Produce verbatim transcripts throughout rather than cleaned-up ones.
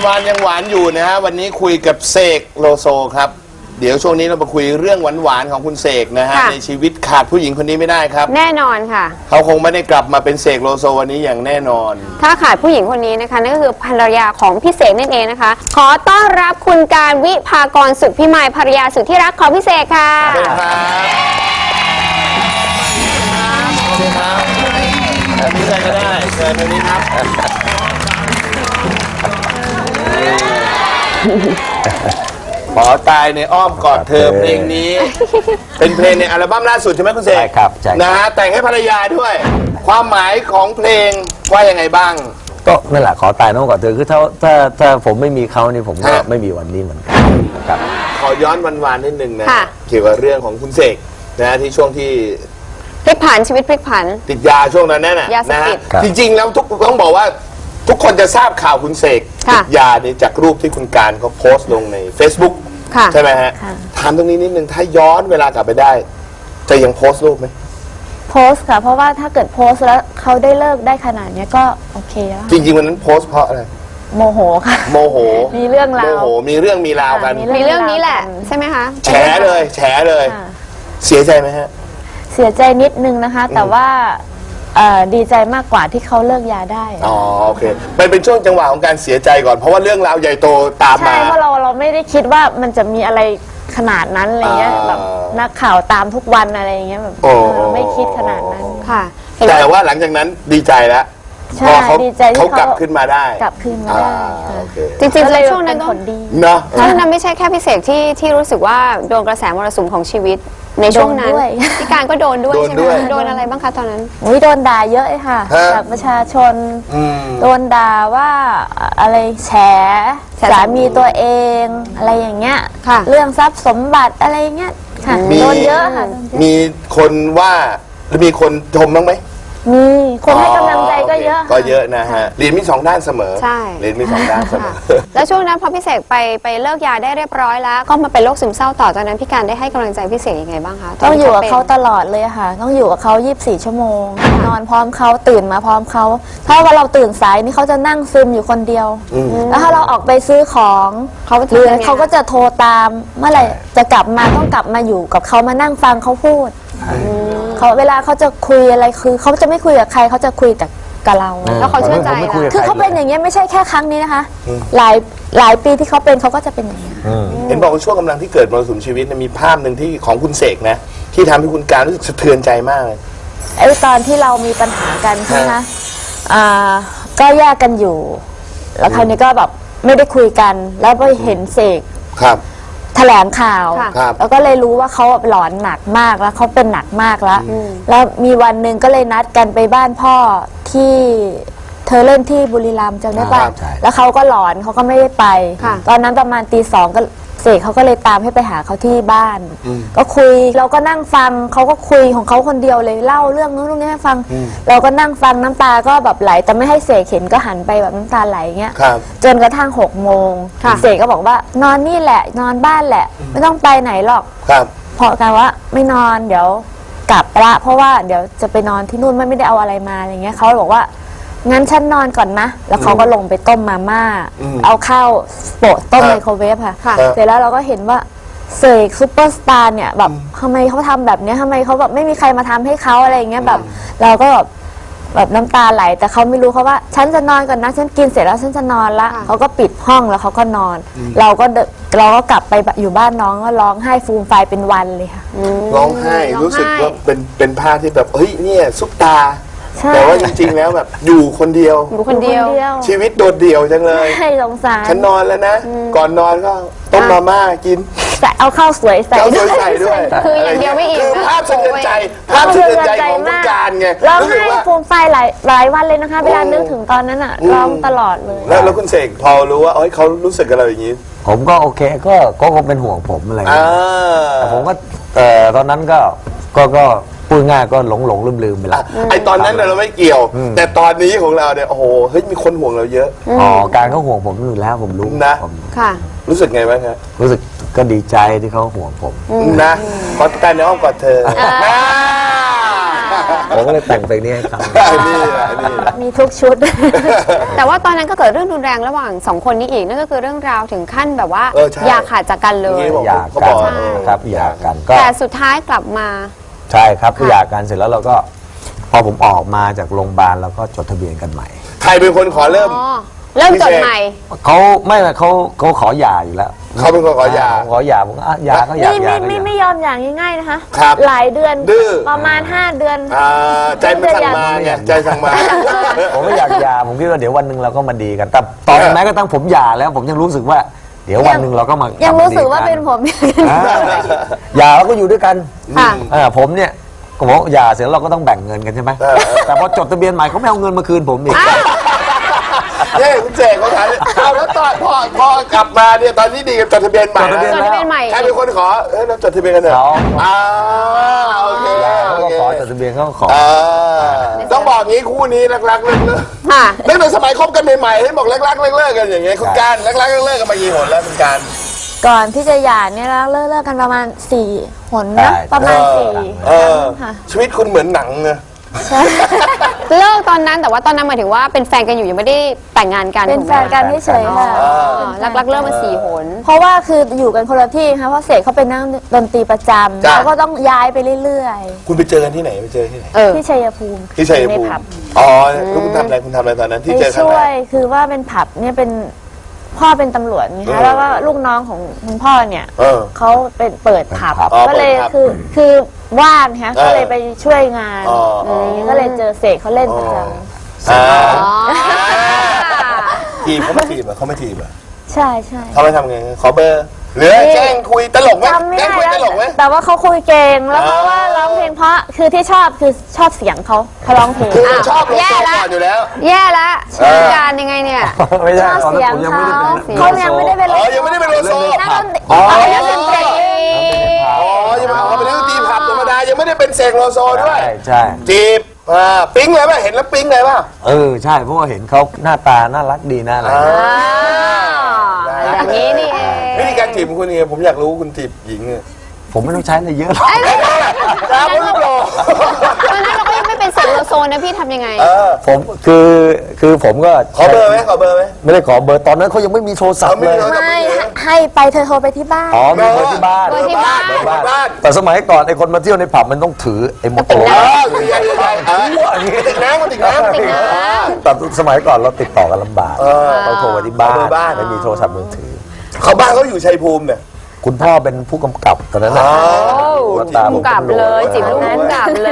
วานยังหวานอยู่นะฮะวันนี้คุยกับเสกโลโซครับเดี๋ยวช่วงนี้เรามาคุยเรื่องหวานๆของคุณเสกนะฮะในชีวิตขาดผู้หญิงคนนี้ไม่ได้ครับแน่นอนค่ะเขาคงไม่ได้กลับมาเป็นเสกโลโซวันนี้อย่างแน่นอนถ้าขาดผู้หญิงคนนี้นะคะนั่นก็คือภรรยาของพี่เสกนั่นเองนะคะขอต้อนรับคุณการวิภากรสุขพิมายภรรยาสุดที่รักของพี่เสกค่ะสวัสดีครับสวัสดีครับพี่เสกก็ได้เชิญตรงนี้ครับขอตายในอ้อมกอดเธอเพลงนี้เป็นเพลงในอัลบั้มล่าสุดใช่ไหมคุณเสกใช่ครับใช่นะฮะแต่งให้ภรรยาด้วยความหมายของเพลงว่ายังไงบ้างก็นั่นแหละขอตายน้องกอดเธอคือถ้าถ้าถ้าผมไม่มีเขานี่ผมก็ไม่มีวันนี้เหมือนกันครับขอย้อนวันๆนิดนึงนะเกี่ยวกับเรื่องของคุณเสกนะที่ช่วงที่พลิกผันชีวิตพลิกผันติดยาช่วงนั้นนั่นน่ะนะฮะจริงๆแล้วทุกต้องบอกว่าทุกคนจะทราบข่าวคุณเสกติดยานี่จากรูปที่คุณการเขาโพสต์ลงใน Facebook ใช่ไหมฮะถามตรงนี้นิดนึงถ้าย้อนเวลากลับไปได้จะยังโพสต์รูปไหมโพสต์ค่ะเพราะว่าถ้าเกิดโพสต์แล้วเขาได้เลิกได้ขนาดนี้ก็โอเคแล้วจริงๆวันนั้นโพสต์เพราะอะไรโมโหค่ะโมโหมีเรื่องราวโมโหมีเรื่องมีราวกันมีเรื่องนี้แหละใช่ไหมคะแฉเลยแฉเลยเสียใจไหมฮะเสียใจนิดนึงนะคะแต่ว่าดีใจมากกว่าที่เขาเลิกยาได้อ๋อโอเคเป็นเป็นช่วงจังหวะของการเสียใจก่อนเพราะว่าเรื่องราวใหญ่โตตามมาใช่เพราะเราเราไม่ได้คิดว่ามันจะมีอะไรขนาดนั้นอะไรเงี้ยแบบนักข่าวตามทุกวันอะไรเงี้ยแบบไม่คิดขนาดนั้นค่ะแต่ว่าหลังจากนั้นดีใจแล้วใช่ดีใจที่เขากลับขึ้นมาได้กลับขึ้นมาได้จริงๆในช่วงนั้นก็เนาะช่วงนั้นไม่ใช่แค่พี่เสกที่ที่รู้สึกว่าโดนกระแสมรสุมของชีวิตในช่วงนั้นพี่การก็โดนด้วยใช่ไหมโดนอะไรบ้างคะตอนนั้นอุ้ยโดนด่าเยอะเลยค่ะจากประชาชนโดนด่าว่าอะไรแฉสามีตัวเองอะไรอย่างเงี้ยเรื่องทรัพย์สมบัติอะไรเงี้ยค่ะโดนเยอะค่ะมีคนว่าหรือมีคนชมบ้างไหมมีคนให้กำลังใจก็เยอะก็เยอะนะฮะเรียนมีสองด้านเสมอใช่เรียนมีสองด้านเสมอแล้วช่วงนั้นพอพี่เสกไปไปเลิกยาได้เรียบร้อยแล้วก็มาเป็นโรคซึมเศร้าต่อจากนั้นพี่การได้ให้กำลังใจพี่เสกยังไงบ้างคะต้องอยู่กับเขาตลอดเลยค่ะต้องอยู่กับเขายี่สิบสี่ชั่วโมงนอนพร้อมเขาตื่นมาพร้อมเขาถ้าว่าเราตื่นสายนี่เขาจะนั่งซึมอยู่คนเดียวแล้วถ้าเราออกไปซื้อของเขาหรือเขาก็จะโทรตามเมื่อไหร่จะกลับมาต้องกลับมาอยู่กับเขามานั่งฟังเขาพูดเขาเวลาเขาจะคุยอะไรคือเขาจะไม่คุยกับใครเขาจะคุยแต่กับเราแล้วเขาเชื่อใจคือเขาเป็นอย่างเงี้ยไม่ใช่แค่ครั้งนี้นะคะหลายหลายปีที่เขาเป็นเขาก็จะเป็นอย่างเงี้ยเห็นบอกว่าช่วงกำลังที่เกิดมรสุมชีวิตมีภาพหนึ่งที่ของคุณเสกนะที่ทำให้คุณการรู้สึกสะเทือนใจมากเลยไอ้ตอนที่เรามีปัญหากันใช่ไหมอ่าก็แยกกันอยู่แล้วคราวนี้ก็แบบไม่ได้คุยกันแล้วไปเห็นเสกครับแถลงข่าวแล้วก็เลยรู้ว่าเขาหลอนหนักมากแล้วเขาเป็นหนักมากแล้วแล้วมีวันหนึ่งก็เลยนัดกันไปบ้านพ่อที่เธอเล่นที่บุรีรัมย์จำได้ป่ะแล้วเขาก็หลอนเขาก็ไม่ได้ไปตอนนั้นประมาณตีสองก็เสกเขาก็เลยตามให้ไปหาเขาที่บ้านก็คุยเราก็นั่งฟังเขาก็คุยของเขาคนเดียวเลยเล่าเรื่องนู้นเรื่องนี้ให้ฟังเราก็นั่งฟังน้ำตาก็แบบไหลแต่ไม่ให้เสกเห็นก็หันไปแบบน้ำตาไหลเงี้ยจนกระทั่งหกโมงเสกก็บอกว่านอนนี่แหละนอนบ้านแหละไม่ต้องไปไหนหรอกเพราะกันว่าไม่นอนเดี๋ยวกลับละเพราะว่าเดี๋ยวจะไปนอนที่นู่นไม่ได้เอาอะไรมาอะไรเงี้ยเขาบอกว่างั้นฉันนอนก่อนนะแล้วเขาก็ลงไปต้มมาม่าเอาข้าวโปะต้มไมโครเวฟค่ะเสร็จแล้วเราก็เห็นว่าเสกซูเปอร์สตาร์เนี่ยแบบทำไมเขาทำแบบนี้ทำไมเขาแบบไม่มีใครมาทำให้เขาอะไรเงี้ยแบบเราก็แบบแบบน้ำตาไหลแต่เขาไม่รู้เขาว่าฉันจะนอนก่อนนะฉันกินเสร็จแล้วฉันจะนอนละเขาก็ปิดห้องแล้วเขาก็นอนเราก็เราก็กลับไปอยู่บ้านน้องก็ร้องไห้ฟูมไฟเป็นวันเลยค่ะร้องไห้รู้สึกว่าเป็นเป็นภาพที่แบบเฮ้ยเนี่ยซุปตาแต่ว่าจริงๆแล้วแบบอยู่คนเดียวอยู่คนเดียวชีวิตโดดเดี่ยวจังเลยให้สงสารฉันนอนแล้วนะก่อนนอนก็ต้มมาม่ากินแต่เอาข้าวสวยใส่ด้วยคืออย่างเดียวไม่อิ่มภาพสะเทือนใจภาพสะเทือนใจของผู้การไงร้องไห้ฟูมไฟหลายหลายวันเลยนะคะเวลานึกถึงตอนนั้นอ่ะร้องตลอดเลยแล้วแล้วคุณเสกพอรู้ว่าเอ้ยเขารู้สึกกับเราอย่างนี้ผมก็โอเคก็ก็คงเป็นห่วงผมอะไรอย่างเงี้ยแต่ผมก็แต่ตอนนั้นก็ก็ก็พูดง่ายก็หลงหลงลืมลืมไปละไอตอนนั้นเราไม่เกี่ยวแต่ตอนนี้ของเราเนี่ยโอ้โหเฮ้ยมีคนห่วงเราเยอะอ๋อการเขาห่วงผมอยู่แล้วผมรู้นะค่ะรู้สึกไงบ้างครับรู้สึกก็ดีใจที่เขาห่วงผมนะขอการในอ้อมกอดเธอผมก็เลยแต่งเพลงนี้ให้เขานี่แหละนี่มีทุกชุดแต่ว่าตอนนั้นก็เกิดเรื่องรุนแรงระหว่างสองคนนี้อีกนั่นก็คือเรื่องราวถึงขั้นแบบว่าเออใช่อย่าขาดจากกันเลยบอกหย่าเขากับอน กใช่ครับหย่ากันก็แต่สุดท้ายกลับมาใช่ครับหย่ากันเสร็จแล้วเราก็พอผมออกมาจากโรงพยาบาลเราก็จดทะเบียนกันใหม่ใครเป็นคนขอเริ่มอ๋อ เริ่มจดใหม่เขาไม่เขาเขาขอหย่าอยู่แล้วเขาเป็นคนขอหย่าผมขอหย่าผมก็อ่ะหย่าก็หย่าไม่หย่าไม่ก็หไม่ย่าไม่ยอมอย่างง่ายๆนะคะครับหลายเดือนดื้อประมาณห้าเดือนอ่าใจมันสั่งมาไงใจสั่งมาผมไม่อยากหย่าผมคิดว่าเดี๋ยววันหนึ่งเราก็มาดีกันแต่ตอนแม้กระทั่งผมหย่าแล้ว ผมยังรู้สึกว่า เดี๋ยววันหนึ่งเราก็มายัยังรู้สึกว่าเป็นผมหย่าแล้วก็อยู่ด้วยกันค่ะอ่าผมเนี่ยก็บอกหย่าเสร็จแล้วเราก็ต้องแบ่งเงินกันใช่ไหมแต่พอจดทะเบียนใหม่เขาไม่เอาเงินมาคืนผมอีกเฮ้ยคุณเจกเขาถามเอาแล้วตอนพ่อพ่อกลับมาเนี่ยตอนนี้ดีกันจดทะเบียนใหม่จดทะเบียนจดทะเบียนใหม่ใครเป็นคนขอเอ้ยเราจดทะเบียนกันเถอะเขาอ่าโอเคเขาโอก็เคขอจดทะเบียนเขาก็ขออ่าต้องบอกงี้คู่นี้รักๆเลิกเลิกค่ะตั้งแต่สมัยคบกันใหม่ๆให้บอกรักๆเลิกเลิกกันอย่างเงี้ยคุณการรักๆเลิกเลิกกันมากี่หนแล้วคุณการก่อนที่จะหย่าเนี่ยเราเลิกเลิกกันประมาณสี่หนนะประมาณสี่เออค่ะชีวิตคุณเหมือนหนังนะเลิกตอนนั้นแต่ว่าตอนนั้นหมายถึงว่าเป็นแฟนกันอยู่ยังไม่ได้แต่งงานกันเป็นถูกแฟไหมนกันเฉยๆค่ะรักรักๆเลิกมาสี่หนเพราะว่าคืออยู่กันคนละที่ค่ะเพราะเสกเขาเป็นนักดนตรีประจำจ้ะเขาก็ต้องย้ายไปเรื่อยคุณไปเจอกันที่ไหนไปเจอที่ไหนเออๆ ที่ชัยภูมิที่ชัยในภูมิผับอ๋อแล้วคุณทำอะไรคุณทำอะไรตอนนั้นที่ไปเจอครั้งช่แรวยกคือว่าเป็นผับเนี่ยเป็นพ่อเป็นตำรวจนี่เออคะแล้วก็ลูกน้องของคุณพ่อเนี่ยเออเขาเป็นเปิดผับอ๋อก็เลยเปิดผับคือคือว่างฮะเออก็เลยไปช่วยงานอ๋ออ๋ออะไรอย่างเงี้ยก็เลยเจอเสกเขาเล่นประจอ่าอ๋อทีบเขาไม่ทีบเหรอเขาไม่ทีบเหรอำใช่ใช่เขาไม่ทำไงขอเบอร์หรือแกล้งคุยตลกไหมจำไม่แกล้งได้คุยตแล้วลกไหมแต่ว่าเขาคุยเก่งแล้วเพอ่าราะว่าร้องเพลงเพราะคือที่ชอบคือชอบเสียงเขาเขาร้องเพลงคืออ้าวชอบโลแย่โซละก่อนอยู่แล้วแย่ละเออการยังไงเนี่ยไม่ชใช่อบตอนเสียนั้นงผมยังไม่ได้เป็นเขาเขายังไม่ได้เป็นอ๋อยังไม่ได้เป็นโลโซนักดนตรีอ๋อเขายังเป็นเด็กอ๋อยังไม่เขาเป็นนักดนตรีผับธรรมดายังไม่ได้เป็นเสกโลโซด้วยใช่ใช่จีบอ่าปิ๊งเลยป่ะเห็นแล้วปิ๊งเลยป่ะเออใช่เพราะว่าเห็นเขาหน้าตาน่ารักดีนะอะไรอ่าอย่างนี้นี่เองวิธีการจีบของคุณยังไงผมอยากรู้คุณจีบหญิงเนี่ยผมไม่ต้องใช้อะไรเยอะหรอกครับคุณโลตอนนั้นเราก็ยังไม่เป็นเสกโลโซนะพี่ทำยังไงเออผมคือคือผมก็ขอเบอร์ไหมขอเบอร์ไหมไม่ได้ขอเบอร์ตอนนั้นเขายังไม่มีโทรศัพท์เขาไม่เลยมีโทรศัพท์ไม่ให้ไปเธอโทรไปที่บ้านอ๋อมีเบอร์ที่บ้านเบอร์ที่บ้านเบอร์บ้านแต่สมัยก่อนไอ้คนมาเที่ยวในผับมันต้องถือไอ้โมโตเอโรอใหญ่ใหญ่ๆเออติดน้ำมันติดน้ำติดน้แต่สมัยก่อนเราติดต่อกันลำบากเออเราโทรไปที่บ้าเบอร์บ้านนไม่มีโทรศัพท์มือถือเขาบ้านเขาอยู่ชัยภูมิเนี่ยคุณพ่อเป็นผู้กำกับตอนนั้นนะอ๋อหัวตาพุ่งกลับเลยจีบลูกพุ่งกลับเลย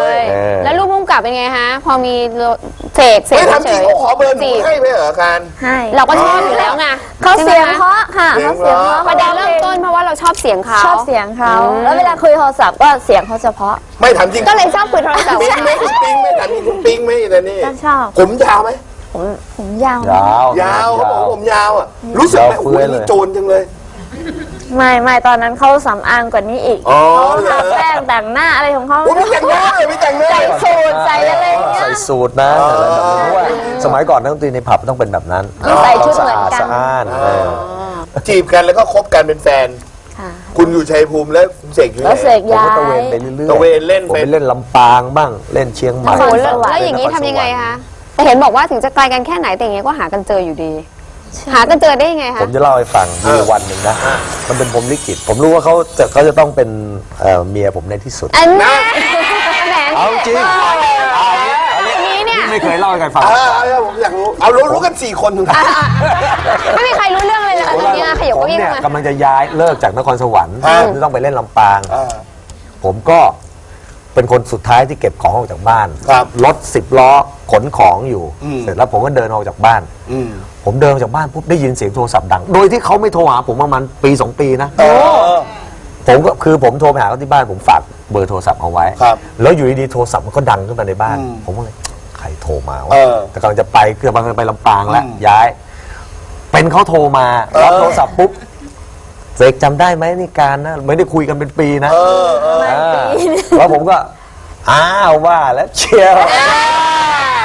เออแล้วลูกพุ่งกลับเป็นไงฮะ พอมีเสกเสไม่กทำจริงเขาขอเบอร์หนูจีบให้ไหมเหรอการให้เราก็ชอบอยู่แล้วไงเขาเสียงใช่ไหมเพราะค่ะเสียงเขาเสียงเพราะประเด็นเริ่มต้นเพราะว่าเราชอบเสียงเขาชอบเสียงเขาอืมแล้วเวลาคุยโทรศัพท์ก็เสียงเขาเฉพาะไม่ทำจริงก็เลยชอบคุยโทรศัพท์ปิ๊งไหมคุณปิ๊งไหมถามจริงคุณปิ๊งไหมแต่นี่ก็ชอบผมยาวไหมผมผมยาวยาวยาวเขาบอกว่าผมยาวอ่ะรู้สึกไหมยาวโอ้เฟื้ยอยเลยนี่โจรจังเลยไม่ไม่ตอนนั้นเขาสำอางกว่านี้อีกอ๋อเขาเหรอทาแป้งแต่งหน้าอะไรของเขาโอ้ยไม่แต่งหน้าเลยไม่แต่งหน้าใส่สูทใส่อะไรอย่างเงี้ยใส่สูตรนะอะไรแบบนี้เพราะว่าสมัยก่อนนักดนตรีในผับต้องเป็นแบบนั้นใส่ชุดเหมือนกันสะอาดสะอ้านเออจีบกันแล้วก็คบกันเป็นแฟนค่ะคุณอยู่ชัยภูมิแล้วคุณเสกอยู่ไหแล้วเสนกผมย้าก็ตะเวนยไปเรื่อยๆตะเวนเล่นผมไปไปเล่นลำปางบ้างเล่นเชียงใหม่โอ้โหแล้วสวรรค์แล้วอย่างนี้ทำยังไงคะแต่เห็นบอกว่าถึงจะไกลกันแค่ไหนแต่อย่างเงี้ยก็หากันเจออยู่ดี หากันเจอได้ยังไงผคะมจะเล่าให้ฟังมีวันหนึ่งนะ มันเป็นพรหมลิขิตผมรู้ว่าเขาจะเขาจะต้องเป็นเอ่อเมียผมในที่สุดอันนี้แหมเอาจริงอันนี้เนี่ยไม่เคยเล่าให้ใครฟังเออเอาเอาผมอยากรู้เอารู้รู้กันสี่คนถึงไม่มีใครรู้เรื่องเลยเลยอันนี้นะขยับผมเก้าอี้เนี่ยมากำลังจะย้ายเลิกจากนครสวรรค์ฮะจะต้องไปเล่นลำปางอ่าผมก็เป็นคนสุดท้ายที่เก็บของออกจากบ้านครับรถสิบล้อขนของอยู่อืมเสร็จแล้วผมก็เดินออกจากบ้านอืมผมเดินออกจากบ้านปุ๊บได้ยินเสียงโทรศัพท์ดัง โดยที่เขาไม่โทรหาผมประมาณปีสองปีนะโอ้ผมก็คือผมโทรไปหาเขาที่บ้านผมฝากเบอร์โทรศัพท์เอาไว้ครับแล้วอยู่ดีๆโทรศัพท์มันก็ดังขึ้นมาในบ้านอืมผมก็เลยใครโทรมาวะเออแต่กำลังจะไปคือกำลังจะไปลำปางแล้วอืมย้าย เป็นเขาโทรมาเออรับโทรศัพท์ปุ๊บเสกจำได้ไหมนี่การนะไม่ได้คุยกันเป็นปีนะเออเอออ่าแล้วผมก็อ้าวว่าแล้วเชียว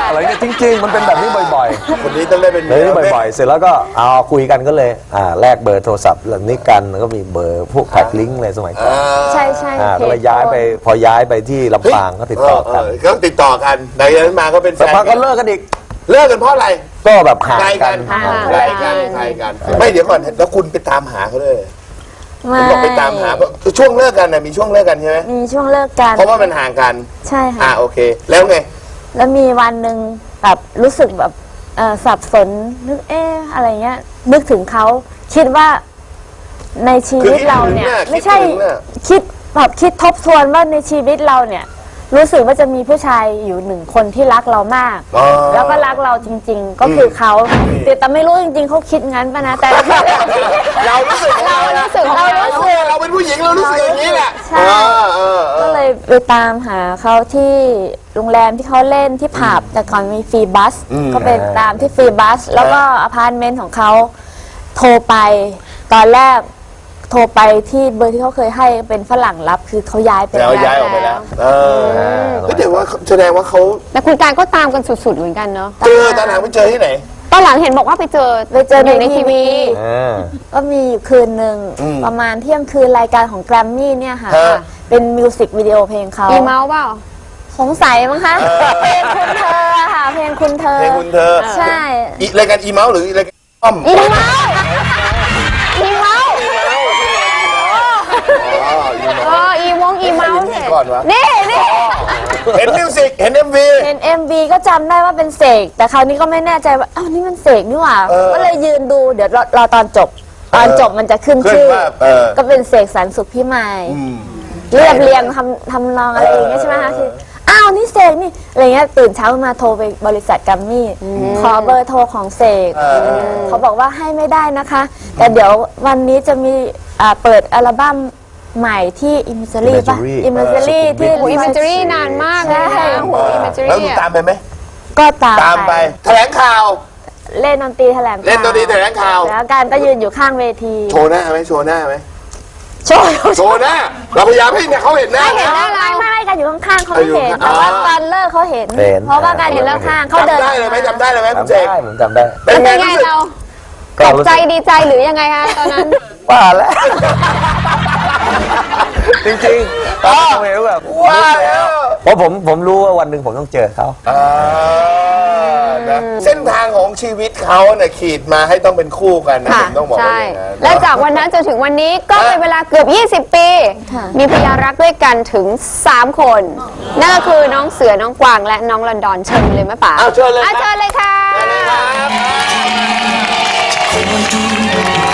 อะไรเงี้ยจริงๆมันเป็นแบบนี้บ่อยๆคนนี้ต้องได้เป็นเลยนี่บ่อยๆ เสร็จแล้วก็เอาคุยกันก็เลยอ่าแลกเบอร์โทรศัพท์เหล่านี้กันแล้วก็มีเบอร์พวกแท็กลิงก์อะไรสมัยก่อนใช่ใช่อ่าเพก็จเลยย้ายไปพอย้ายไปที่ลำปางก็ติดต่อกันก็ติดต่อกันหลังจากนั้นมาก็เป็นแฟแต่นพอก็เลิกกันอีกเลิกกันเพราะอะไรก็แบบห่างไกลกักัน นห่างไกลกันไกลกันไม่เดี๋ยวก่อนแล้วคุณไปตามหาเขาเลยไม่คุณบอกไปตามหาเพราะช่วงเลิกกันนะมีช่วงเลิกกันใช่ไหมมีช่วงเลิกกันเพราะว่ามันห่างกันใช่อ่าค่ะโอเค แล้วไงแล้วมีวันหนึ่งแบบรู้สึกแบบเอ่อสับสนนึกเอ๊ะอะไรเงี้ยนึกถึงเขาคิดว่าในชีวิตเราเนี่ยคือคิดถึงน่ะไม่ใช่คิดถึงน่ะคิดแบบคิดทบทวนว่าในชีวิตเราเนี่ย รู้สึกว่าจะมีผู้ชายอยู่หนึ่งคนที่รักเรามากอ๋อแล้วก็รักเราจริง ๆ ก็คือเขาแต่แต่ไม่รู้จริง ๆเขาคิดงั้นปะนะแต่เรารู้สึกเรารู้สึกเรารู้สึกเราเป็นผู้หญิงเรารู้สึกอย่างนี้แหละใช่เออเออเอก็อเลยไปตามหาเขาที่โรงแรมที่เขาเล่นที่ผับแต่ก่อนมีฟรีบัส ก็ไปตามที่ฟรีบัส แล้วก็อพาร์ตเมนต์ของเขาโทรไปตอนแรกโทรไปที่เบอร์ที่เขาเคยให้เป็นฝรั่งรับคือเขาย้ายไปแล้วแล้วย้ายออกไปแล้ว เออเฮ้ยแต่ว่าแสดงว่าเขาแต่คุณการก็ตามกันสุดๆเหมือนกันเนาะเจอตอนหลังไปเจอที่ไหนตอนหลังเห็นบอกว่าไปเจอไปเจออยู่ในทีวีอ่าก็มีอยู่คืนหนึ่งอืมประมาณเที่ยงคืนรายการของแกรมมี่เนี่ยค่ะฮะเป็นมิวสิกวิดีโอเพลงเขาอีเมาส์เปล่าสงสัยมั้งคะเพลงคุณเธอค่ะเพลงคุณเธอเพลงคุณเธอใช่อีรายการอีเมาส์หรือรายการอ้อมอีเมาส์อีเมาส์อ๋ออีเมาส์เอออีวงอีเมาส์ใครเป็นพิธีเนี่ยกรวะนี่นี่เห็นมิวสิกเห็นเอ็มวีเห็น เอ็ม วี ก็จำได้ว่าเป็นเสกแต่คราวนี้ก็ไม่แน่ใจว่าอ้าวนี่มันเสกนี่หว่าเออก็เลยยืนดูเดี๋ยวรอรอตอนจบ ตอนจบมันจะขึ้นขึ้นชื่อว่าเออก็เป็นเสกสรรสุขพิมายอืมเรียบเรียงทำทำนองอะไรอย่างเงี้ยใช่ไหมคะคืออ้าวนี่เสกนี่อะไรเงี้ยตื่นเช้ามาโทรไปบริษัทกัมมี่ขอเบอร์โทรของเสกเออเขาบอกว่าให้ไม่ได้นะคะ แต่เดี๋ยววันนี้จะมีอ่าเปิดอัลบั้มใหม่ที่ Imagery ป่ะ Imagery Imagery ที่โอ้อิมเมจรี่นานมากเลยนะโอ้โหอิมเมจแล้วรี่คุณตามไปไหมก็ตามตามไป แถลงข่าวเล่นดนตรีแถลงข่าวเล่นดนตรีแถลงข่าวแล้วการก็ยืนอยู่ข้างเวทีโชว์หน้าไหมโชว์หน้าไหมโชว์โชว์หน้า เราพยายามให้เนี่ยเขาเห็นหน้าไม่เห็นหน้าเราไม่ไม่กันอยู่ข้างๆเขาไม่เห็นเอออยู่แต่ว่าข้างๆตอนเลิกเขาเห็นเห็นเพราะว่าการอยู่ข้างๆเขาเดินจำได้เลยไหมจำได้เลยไหมคุณจำเจได้กผมจำได้เป็นเป็นไงไงรู้สึกเราก็ตกรู้ใจสึกดีใจหรือยังไงฮะตอนนั้นว่าแล้ว จริงๆตอนนั้นผมเห็นแบบว่าแล้วเพราะผมผมรู้ว่าวันหนึ่งผมต้องเจอเขาอ่านะเส้นทางของชีวิตเขาเนี่ยขีดมาให้ต้องเป็นคู่กันนะค่ะผมต้องบอกว่าใช่อย่างนั้นและจากวันนั้นจนถึงวันนี้ก็เป็นเวลาเกือบ ยี่สิบ ปีค่ะมีพยานรักด้วยกันถึง สาม คน นั่นก็คือน้องเสือ น้องกวาง และน้องลอนดอนเชิญเลยไหมป๋าเอาเชิญเลยอ่ะครับเชิญเลยค่ะเชิญเลยครับ